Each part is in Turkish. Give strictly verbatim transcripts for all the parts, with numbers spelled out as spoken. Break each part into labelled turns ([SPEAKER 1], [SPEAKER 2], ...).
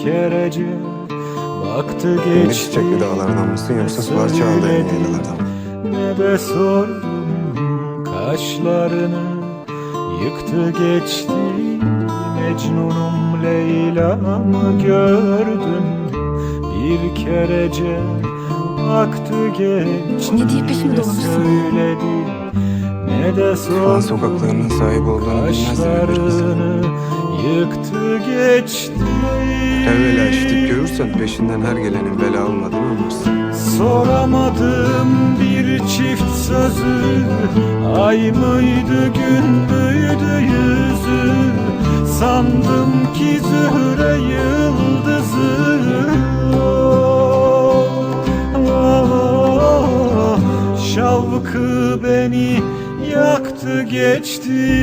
[SPEAKER 1] kerece baktı
[SPEAKER 2] Ne
[SPEAKER 1] geçti.
[SPEAKER 2] çiçekli dağlardan mısın yoksa sular çağlayan yaylalardan mı?
[SPEAKER 1] Ne de sordum kaşlarını, yıktı geçti. Mecnunum Leyla'mı gördüm, bir kerece baktı geçti.
[SPEAKER 3] Ne diye peşimi dolaşsın?
[SPEAKER 1] Söyledi ne de
[SPEAKER 2] Şu an
[SPEAKER 1] sordum
[SPEAKER 2] sokaklarının sahibi olduğunu bilmezler bir kız.
[SPEAKER 1] kaşlarını, yıktı geçti.
[SPEAKER 2] Evvela işitip görürsen peşinden her gelenin bela olmadığını anlarsın.
[SPEAKER 1] Soramadım bir çift sözü, ay mıydı gün müydü yüzü, sandım ki Zühre yıldızı. Oh, oh, oh, şavkı beni yaktı geçti.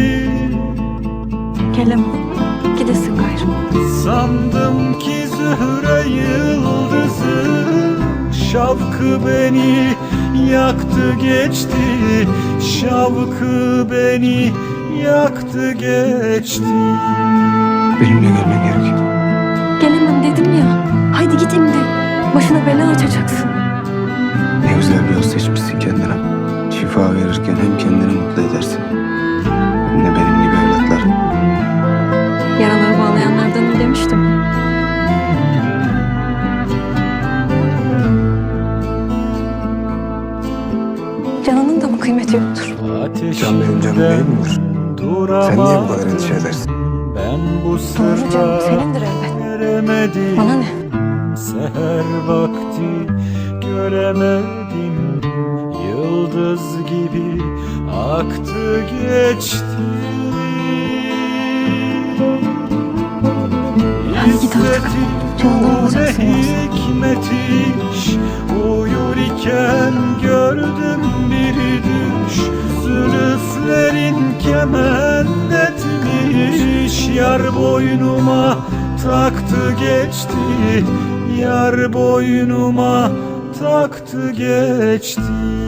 [SPEAKER 3] Gelemem, gidesin gayrı.
[SPEAKER 1] Sandım ki Zühre yıldızı, şavkı beni yaktı geçti. Şavkı beni yaktı geçti.
[SPEAKER 2] Benimle gelmen gerekiyor.
[SPEAKER 3] Gelemem dedim ya. Haydi git şimdi. Başına bela açacaksın.
[SPEAKER 2] Ne güzel bir yol seçmişsin kendine. Şifa verirken hem kendini mutlu edersin hem de benim gibi evlatlar.
[SPEAKER 3] Yaraları bağlayanlardanım demiştim. Canının da mı kıymeti yoktur?
[SPEAKER 2] Can benim canım değil midir? Sen niye bu kadar endişe edersin?
[SPEAKER 1] Ben bu
[SPEAKER 3] Doğru canım,
[SPEAKER 1] sırra
[SPEAKER 3] senindir elbet.
[SPEAKER 1] eremedim.
[SPEAKER 3] Bana ne?
[SPEAKER 1] Seher vakti göremedim, yıldız gibi aktı geçti.
[SPEAKER 3] Hadi git artık. Canından alacaksın
[SPEAKER 1] ne
[SPEAKER 3] yoksa.
[SPEAKER 1] hikmet iş, uyur iken gördüm bir düş. Zülüflerin kement etmiş, yar boynuma taktı geçti. Yar boynuma taktı geçti.